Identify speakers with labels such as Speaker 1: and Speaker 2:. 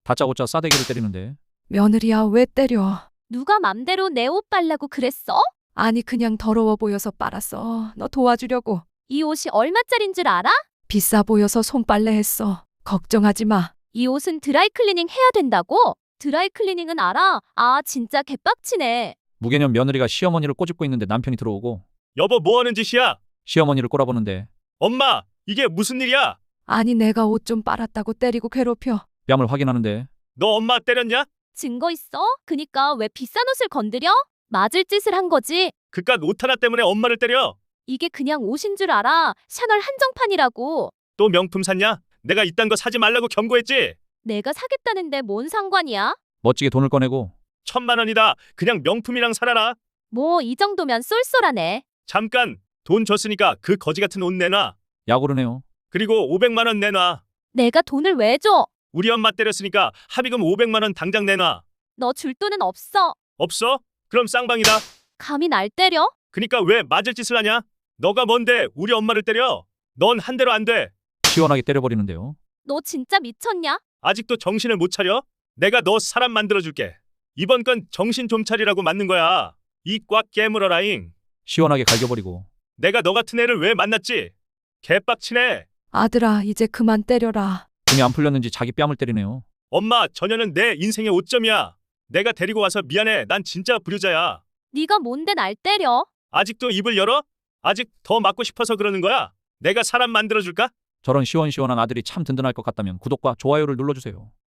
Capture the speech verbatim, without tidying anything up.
Speaker 1: 다짜고짜 싸대기를 때리는데.
Speaker 2: 며느리야, 왜 때려?
Speaker 3: 누가 맘대로 내 옷 빨라고 그랬어?
Speaker 2: 아니, 그냥 더러워 보여서 빨았어. 너 도와주려고.
Speaker 3: 이 옷이 얼마짜린 줄 알아?
Speaker 2: 비싸 보여서 손빨래 했어. 걱정하지 마.
Speaker 3: 이 옷은 드라이클리닝 해야 된다고? 드라이클리닝은 알아? 아, 진짜 개빡치네.
Speaker 1: 무개념 며느리가 시어머니를 꼬집고 있는데 남편이 들어오고
Speaker 4: 여보 뭐 하는 짓이야?
Speaker 1: 시어머니를 꼬라보는데
Speaker 4: 엄마, 이게 무슨 일이야?
Speaker 2: 아니, 내가 옷 좀 빨았다고 때리고 괴롭혀.
Speaker 1: 뺨을 확인하는데
Speaker 4: 너 엄마 때렸냐?
Speaker 3: 증거 있어? 그니까 왜 비싼 옷을 건드려? 맞을 짓을 한 거지.
Speaker 4: 그깟 옷 하나 때문에 엄마를 때려?
Speaker 3: 이게 그냥 옷인 줄 알아. 샤넬 한정판이라고.
Speaker 4: 또 명품 샀냐? 내가 이딴 거 사지 말라고 경고했지?
Speaker 3: 내가 사겠다는데 뭔 상관이야?
Speaker 1: 멋지게 돈을 꺼내고
Speaker 4: 천만 원이다. 그냥 명품이랑 살아라.
Speaker 3: 뭐 이 정도면 쏠쏠하네.
Speaker 4: 잠깐, 돈 줬으니까 그 거지 같은 옷 내놔.
Speaker 1: 야구르네요.
Speaker 4: 그리고 오백만 원 내놔.
Speaker 3: 내가 돈을 왜 줘?
Speaker 4: 우리 엄마 때렸으니까 합의금 오백만 원 당장 내놔.
Speaker 3: 너 줄 돈은 없어.
Speaker 4: 없어? 그럼 쌍방이다.
Speaker 3: 감히 날 때려?
Speaker 4: 그니까 왜 맞을 짓을 하냐? 너가 뭔데 우리 엄마를 때려? 넌 한 대로 안 돼.
Speaker 1: 시원하게 때려버리는데요.
Speaker 3: 너 진짜 미쳤냐?
Speaker 4: 아직도 정신을 못 차려? 내가 너 사람 만들어줄게. 이번 건 정신 좀 차리라고 맞는 거야. 이 꽉 깨물어라잉.
Speaker 1: 시원하게 갈겨버리고
Speaker 4: 내가 너 같은 애를 왜 만났지? 개빡치네.
Speaker 2: 아들아, 이제 그만 때려라.
Speaker 1: 등이 안 풀렸는지 자기 뺨을 때리네요.
Speaker 4: 엄마, 저녀는 내 인생의 오점이야. 내가 데리고 와서 미안해. 난 진짜 불효자야.
Speaker 3: 네가 뭔데 날 때려?
Speaker 4: 아직도 입을 열어? 아직 더 맞고 싶어서 그러는 거야? 내가 사람 만들어줄까?
Speaker 1: 저런 시원시원한 아들이 참 든든할 것 같다면 구독과 좋아요를 눌러주세요.